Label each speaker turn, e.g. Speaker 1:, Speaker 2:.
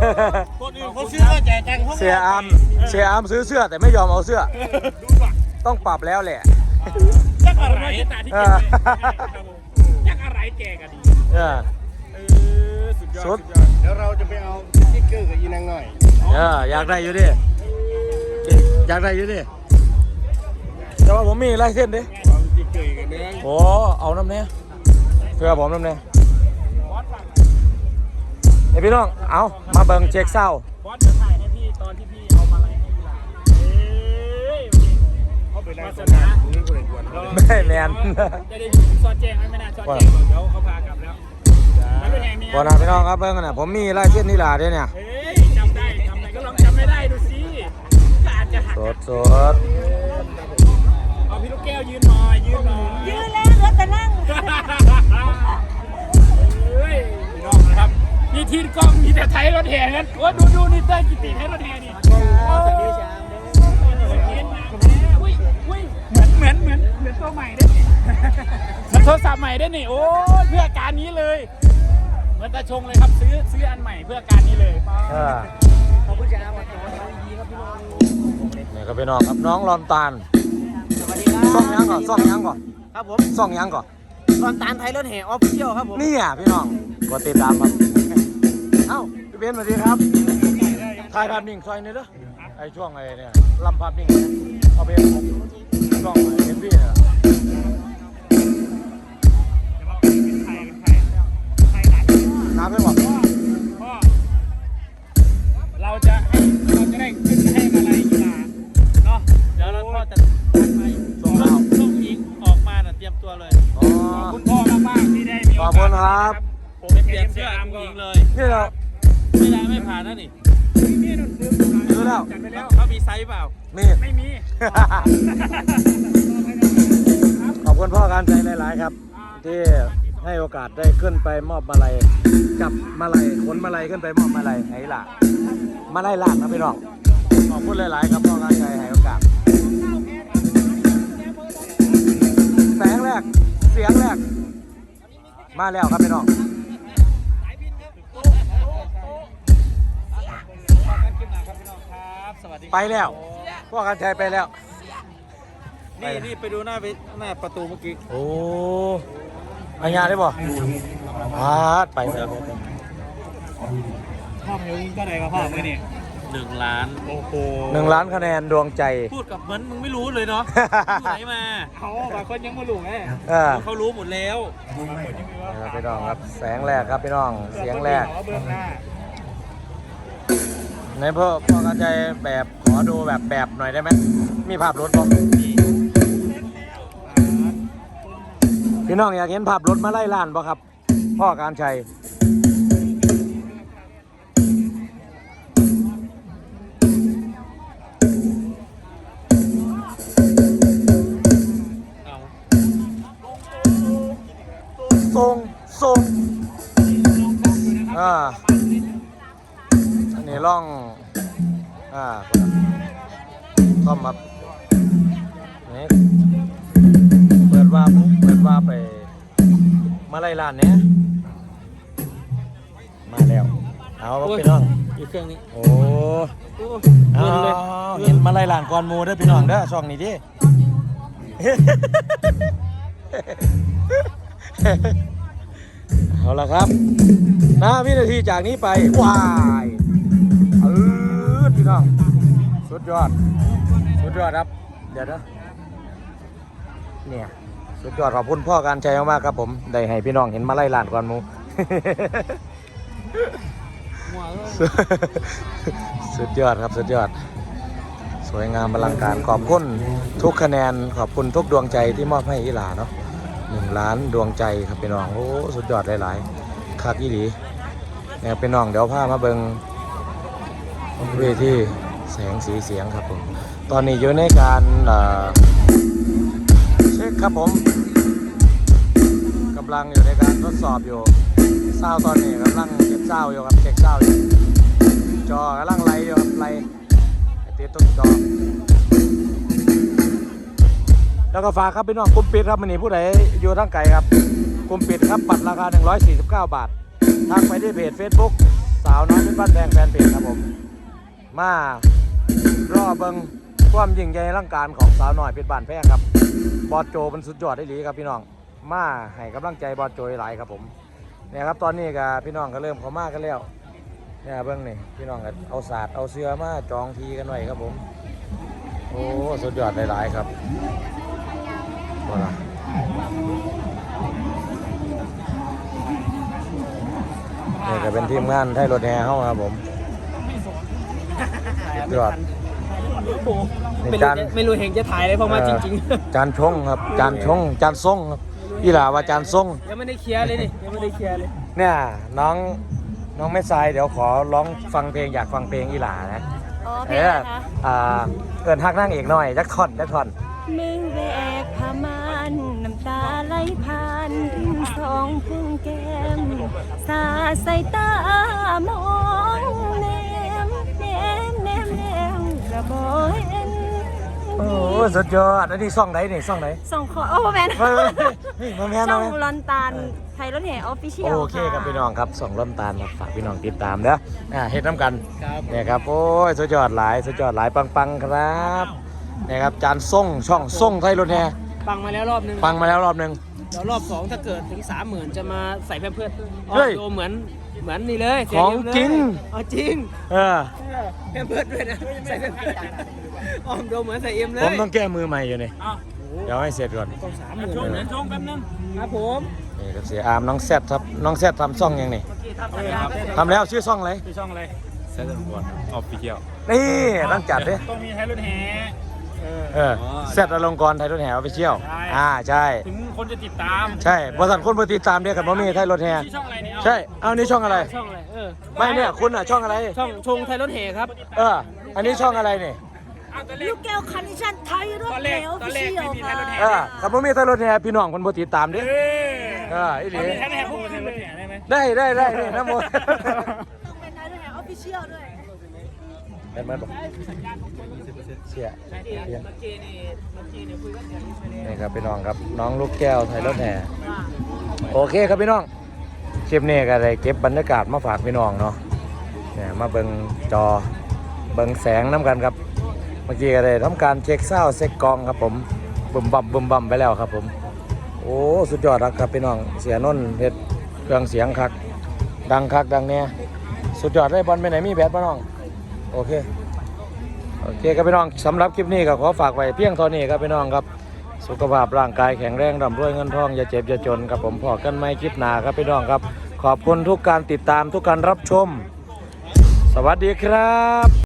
Speaker 1: คนอื่นเขาซื้อก็แจกตังค์
Speaker 2: เสียอามซื้อเสื้อแต่ไม่ยอมเอาเสื้อต้องปรับแล้วแหละ
Speaker 1: จักอะไรตาที่เก็บจักอะไรแจกกันดีสุดยอดเดี๋ยวเราจะไปเอาสติ๊กเกอร์กับอีนางหน่อย
Speaker 2: อยากได้อยู่ดิอยากได้อยู่ดิแต่ว่าผมมีลายเส้นดิโอ้เอาน้ำเนี้ยเพื่อผมน้ำเนี้ยไอพี่น้องเอามาเบิ่งเช็คเศร้า
Speaker 1: บอสจะถ่ายให้พี่ตอนที่พี่เอามาอะไรให้พี่หลานเขาไปไล่คนนะ
Speaker 2: ไม่แมน
Speaker 1: จะได้ซอดแจ้งไม่น่าซอดแจ้งเดี๋ยวเขาพากลับแล้ว
Speaker 2: บอนะพี่น้องครับเบิ่งกันนะผมมีลายเส้นนี่หล่ะเนี่ย
Speaker 1: เฮ้ยจำได้ก็ลองจำไม่ได้ดูสิอาจจะหัก
Speaker 2: สด
Speaker 1: เอาพี่ลูกแก้วยืนหน่อยยืน
Speaker 3: แล้วรถจะนั่ง
Speaker 1: เฮ้ยน้องนะครับนี่ทีนกล้องมีแต่ไทยรถแห่กันโอ้ดูนี่เต้ยกิติไทยรถแห่นี่เหมือนตัวใหม่ได้โทรศัพท์ใหม่ได้นี่โอ้เพื่อการนี้เลยเหมือนตาชงเลยครับซื้ออันใหม่เพื่อการนี้เลยขอบคุณจ้าวันนี้ครับพี่น้อง
Speaker 2: นี่ก็พี่น้องครับน้องลอนตาล
Speaker 3: สวัสดีครับ
Speaker 2: ซ่องยังก่อน
Speaker 3: ครับผม
Speaker 2: ซ่องยังก่อน
Speaker 3: ลอนตาลไทยรถแห่ออฟฟิเชียลครับผม
Speaker 2: นี่อ่ะพี่น้องกดติดตามครับเอ้าพี่เบนสวัสดีครับถ่ายภาพนิ่งซอยนี่เด้อไอช่วงไอเนี่ยลำภาพนิ่งเอาไปผมช่องเอ็มพีเนี่ยน้ำไม่บอก
Speaker 1: พ่อเราจะได้ขึ้นให้มาลัยกีฬาเนาะเดี๋ยวเราพ่อจะไปส่งยิงออกมาเตรียมตัวเลยขอบคุณพ่อมากที่ได้มีโอกาสผมเปลี่ยนเสื้ออาร์มยิงเลย
Speaker 2: นี่เรา
Speaker 1: ไม่ผ่านนะนี่
Speaker 2: ซื้อแล้ว
Speaker 1: เขามีไซส์เปล่าไม่มี
Speaker 2: ขอบคุณพ่อการใจหลายๆครับที่ให้โอกาสได้ขึ้นไปมอบมาลัยจับมาลัยขนมาลัยขึ้นไปมอบมาลัยให้ล่ะมาลัยลาดนะพี่น้องขอบคุณหลายๆครับพ่อการใจให้โอกาสแสงแรกเสียงแรกมาแล้วครับพี่น้องไปแล้วพ่อการใจไปแล้ว
Speaker 1: นี่ไปดูหน้าประตูเมื่อกี้
Speaker 2: โอ้อันยาได้บ่ไปแล้ว
Speaker 1: พ่อเพลงก็ได้กับพ่อมือนี่1,000,000โอ้โห
Speaker 2: 1,000,000คะแนนดวงใจ
Speaker 1: พูดกับเหมือนมึงไม่รู้เลยเนาะอยู่ไหนมาเขาบางคนยังไม่รู้ไงเขารู้หมดแล้ว
Speaker 2: พี่น้องครับแสงแรกครับพี่น้องเสียงแรกในพ่อการใจแบบขอดูแบบหน่อยได้ไหมมีภาพรถบ่พี่น้องอยากเห็นภาพรถมาไล่ล่านบ่ครับพ่อการชัยทรงอันนี้ล่องเข้ามานี่เปิดว่าไปมาไล่ล่านเนี้ยมาแล้วเอาพี่น้อง
Speaker 1: อีกเครื่องนี้
Speaker 2: โอ้เห็นมาไล่ล่านก่อนมูเด้อพี่น้องเด้อช่องนี้ดิเอาละครับวินาทีจากนี้ไปว้ายพี่น้องสุดยอดครับเดี๋ยวนะเนี่ยสุดยอดขอบคุณพ่อการใจมากๆครับผมได้ให้พี่น้องเห็นมาไล่ล่านก่อนมูสุดยอดครับสุดยอดสวยงามอลังการขอบคุณทุกคะแนนขอบคุณทุกดวงใจที่มอบให้อีหลาเนาะ1,000,000ดวงใจครับพี่น้องโอ้สุดยอดหลายๆคักอีหลีเนี่ยพี่น้องเดี๋ยวพามาเบิ่งเวทีแสงสีเสียงครับผมตอนนี้อยู่ในการเช็คครับผมกำลังอยู่ในการทดสอบอยู่ซาวตอนนี้กำลังเก็บซาวอยู่ครับเช็คซาวอยู่จอกำลังไล่อยู่ครับไล่ติดต้นจอแล้วก็ฝากครับพี่น้องกลุ่มปิดครับมันนี่ผู้ใดอยู่ทางไกลครับกลุ่มปิดครับบัตรราคา149 บาททางไปที่เพจ Facebook สาวน้อยเป็นบ้านแพงแฟนเพจมารอเบิ่งความยิ่งใหญ่อลังการของสาวน้อยเพชรบ้านแพงครับบอสโจเป็นสุดยอดได้หลีครับพี่น้องมาให้กำลังใจบอสโจหลายครับผมเนี่ยครับตอนนี้ก็พี่น้องก็เริ่มเข้ามากันแล้วเนี่ยเบิ่งนี่พี่น้องก็เอาศาสตร์เอาเสื้อมาจองทีกันไว้ครับผมโอ้สุดยอดหลายๆครับว่าล่ะนี่ก็เป็นทีมงานไทยรถแห่เข้าครับผมสุดยอดนี่จาน
Speaker 3: ไม่รู้เห็นจะถ่ายอะไรเพราะมาจริง
Speaker 2: จานชงครับจานชงจานส่งครับอีหล่าว่าจานส่ง
Speaker 3: ๆยังไม่ได้เคลียร์เลยนี่ยังไม่ได้เคลียร์เลย
Speaker 2: เนี่ยน้องแม่ทรายเดี๋ยวขอร้องฟังเพลงอยากฟังเพลงอีหล่านะ
Speaker 3: อ๋อเพ
Speaker 2: เอ
Speaker 3: ลง
Speaker 2: อ
Speaker 3: อะไรคะ
Speaker 2: เอินฮักนั่งเอกหน่อยจักท่อน
Speaker 3: มือแบกผ้าม่านน้ำตาไหลผ่านทิ้งสองพุ่งแก้มสาดใส่ตามองแนมกระบอกเห็น
Speaker 2: โอ้สุดยอดอันนี้ซ่องไหนนี่ซ่องไหน
Speaker 3: ส่งขอโอ้แมน
Speaker 2: เฮ้ยมาแม่น
Speaker 3: ช่อง
Speaker 2: มาแม่น
Speaker 3: ลอนตาลไทยรถแห่ออฟฟิเชียล
Speaker 2: โอเคครับพี่น้องครับส่องล่มตาลครับฝากพี่น้องติดตามเด้อเฮ็ดน้ำกัน
Speaker 1: ครับ
Speaker 2: เนี่ยครับโอ้ยสุดยอดหลายสุดยอดหลายปังๆครับเนี่ยครับจานส่งช่องส่งไทยรถแห่
Speaker 3: ฟังมาแล้วรอบนึง
Speaker 2: ฟังมาแล้วรอบหนึง
Speaker 3: เดี๋ยวรอบ2ถ้าเกิดถึง 30,000 จะมาใส่แพมเพิร์ส
Speaker 2: เฮ้ย
Speaker 3: โดเหมือนนี่เลย
Speaker 2: ของจริง
Speaker 3: อ๋อจริง
Speaker 2: เออ
Speaker 3: แพมเพิร์สด้วยนะใส่แพมเพิร์สอ๋อโดเหมือนใส่เอ็มเลย
Speaker 2: ผมต้องแก้มือใหม่อยู่นี่
Speaker 1: อ้าว
Speaker 2: เดี๋ยวให้เสร็จก่อน
Speaker 3: ต้อง
Speaker 1: ชง
Speaker 3: 30,000
Speaker 1: เดี๋ยวชงแป๊บนึง
Speaker 3: ครับผม
Speaker 2: นี่ครับเสียอามน้องแซดครับน้องแซดทำซ่องยังนี่ทำแล้วชื่อซ่องอะไร
Speaker 1: คือช่องอะไร
Speaker 4: เซตต์ก่อนออฟฟิเชียล
Speaker 2: นี่ต้องจัดดิ
Speaker 1: ต้องมีไทยรถแห่
Speaker 2: แซดอลงกรณ์ไทยรถแห่ออฟฟิเชียล
Speaker 1: ใช่
Speaker 2: ใช่
Speaker 1: ถึงคนจะติดตาม
Speaker 2: ใช่บริษัทคนเพื่อติดตามเดียวกันว่ามีไทยรถแห่
Speaker 1: ที่ช่องอะไรเนี่ยเอา
Speaker 2: ใช่เอานี่ช่องอะไร
Speaker 3: ช่องอะไร
Speaker 2: ไม่เนี่ยคุณอ่ะช่องอะไร
Speaker 3: ช่องชงไทยรถแห่ครับ
Speaker 2: อันนี้ช่องอะไรนี่
Speaker 1: เอาตอนแร
Speaker 3: ลู
Speaker 1: ก
Speaker 3: กแก้วคันดิชันไทยรถ
Speaker 1: ตอนแร
Speaker 3: แห่
Speaker 1: ก
Speaker 3: ออฟ
Speaker 1: ตอน
Speaker 3: ฟิ
Speaker 1: แรก
Speaker 3: เชีย
Speaker 1: ไม่
Speaker 3: ล
Speaker 1: มี
Speaker 3: ค
Speaker 1: ไทย
Speaker 3: รั
Speaker 1: รถแห่
Speaker 2: กับว่ามีไทยรถแห่พี่น้องคนเพื่อติดตามดิ
Speaker 1: เอ้ย
Speaker 2: อีหลี
Speaker 1: มีไทยรถแห่พวกไทยรถแห่ได้ไหม
Speaker 2: ได้นี่น้ำมัน
Speaker 3: ต้องเป็นไทยรถแห่ออฟฟิเชียลด้วย
Speaker 2: เป็นไหมบอกเสียเพียน
Speaker 3: เมื่อกี้นี่คุยกันอย่างนี้ไปเลย
Speaker 2: นี่ครับพี่น้องครับน้องลูกแก้วไทยรถแห่โอเคครับพี่น้องคลิปนี้ก็ได้เก็บบรรยากาศมาฝากพี่น้องเนาะเนี่ยมาเบิ่งจอเบิ่งแสงน้ำกันครับเมื่อกี้ก็ได้ทำการเช็คเส้าเช็คกองครับผมบึมบั่มไปแล้วครับผมโอ้สุดยอดครับพี่น้องเสียนนท์เฮ็ดเครื่องเสียงคักดังเนี่ยสุดยอดเลยบอลไปไหนมีแบตป่ะน้องโอเคครับพี่น้องสำหรับคลิปนี้ก็ขอฝากไว้เพียงเท่านี้ครับพี่น้องครับสุขภาพร่างกายแข็งแรงร่ำรวยเงินทองอย่าเจ็บอย่าจนครับผมพอกันไม่คลิปหน้าครับพี่น้องครับขอบคุณทุกการติดตามทุกการรับชมสวัสดีครับ